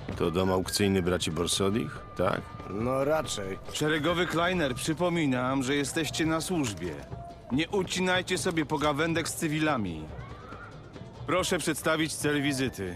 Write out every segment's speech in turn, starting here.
To dom aukcyjny braci Borsodich, tak? No raczej. Szeregowy Kleiner, przypominam, że jesteście na służbie. Nie ucinajcie sobie pogawędek z cywilami. Proszę przedstawić cel wizyty.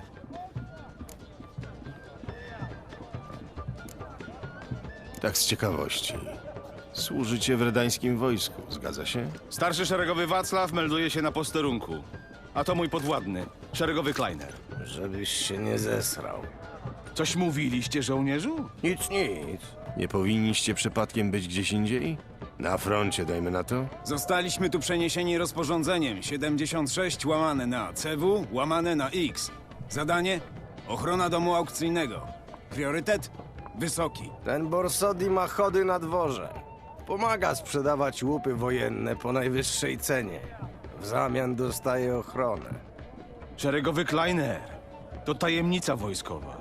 Tak z ciekawości. Służycie w redańskim wojsku, zgadza się? Starszy szeregowy Wacław melduje się na posterunku. A to mój podwładny, szeregowy Kleiner. Żebyś się nie zesrał. Coś mówiliście, żołnierzu? Nic, nic. Nie powinniście przypadkiem być gdzieś indziej? Na froncie, dajmy na to? Zostaliśmy tu przeniesieni rozporządzeniem 76 łamane na CW łamane na X. Zadanie? Ochrona domu aukcyjnego. Priorytet? Wysoki. Ten Borsodi ma chody na dworze. Pomaga sprzedawać łupy wojenne po najwyższej cenie. W zamian dostaje ochronę. Szeregowy Kleiner. To tajemnica wojskowa.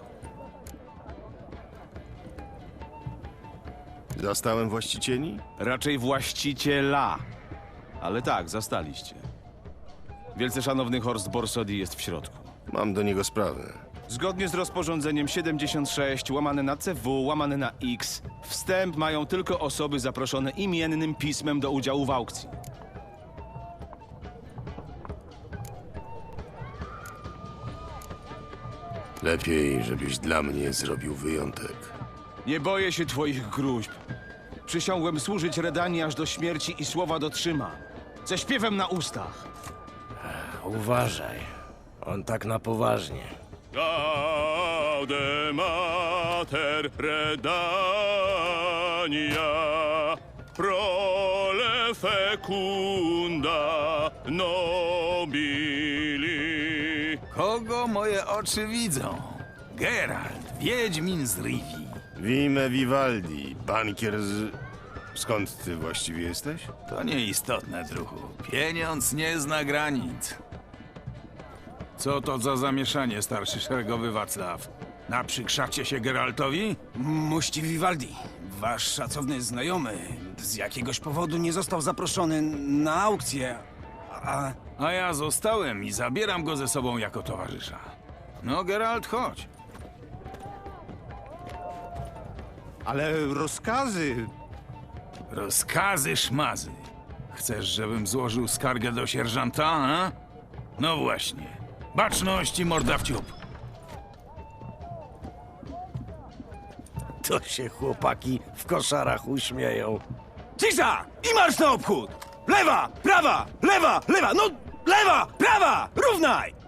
Zastałem właścicieli? Raczej właściciela. Ale tak, zastaliście. Wielce szanowny Horst Borsodi jest w środku. Mam do niego sprawę. Zgodnie z rozporządzeniem 76 łamane na CW łamane na X wstęp mają tylko osoby zaproszone imiennym pismem do udziału w aukcji. Lepiej, żebyś dla mnie zrobił wyjątek. Nie boję się twoich gruźb. Przysiągłem służyć Redanii aż do śmierci i słowa dotrzymam. Ze śpiewem na ustach. Uważaj. On tak na poważnie. Gaude mater Redania, prole fecunda nobili. Kogo moje oczy widzą? Geralt, wiedźmin z Rivii. Wime Vivaldi, bankier z... Skąd ty właściwie jesteś? To nieistotne, druhu. Pieniądz nie zna granic. Co to za zamieszanie, starszy szeregowy Wacław? Naprzykrzacie się Geraltowi? Mości Vivaldi, wasz szacowny znajomy z jakiegoś powodu nie został zaproszony na aukcję, A ja zostałem i zabieram go ze sobą jako towarzysza. No, Geralt, chodź. Ale rozkazy... Rozkazy szmazy. Chcesz, żebym złożył skargę do sierżanta, a? No właśnie. Baczność i morda w ciup. To się chłopaki w koszarach uśmieją. Cisza! I marsz na obchód! Lewa, prawa, lewa, lewa, no lewa, prawa! Równaj!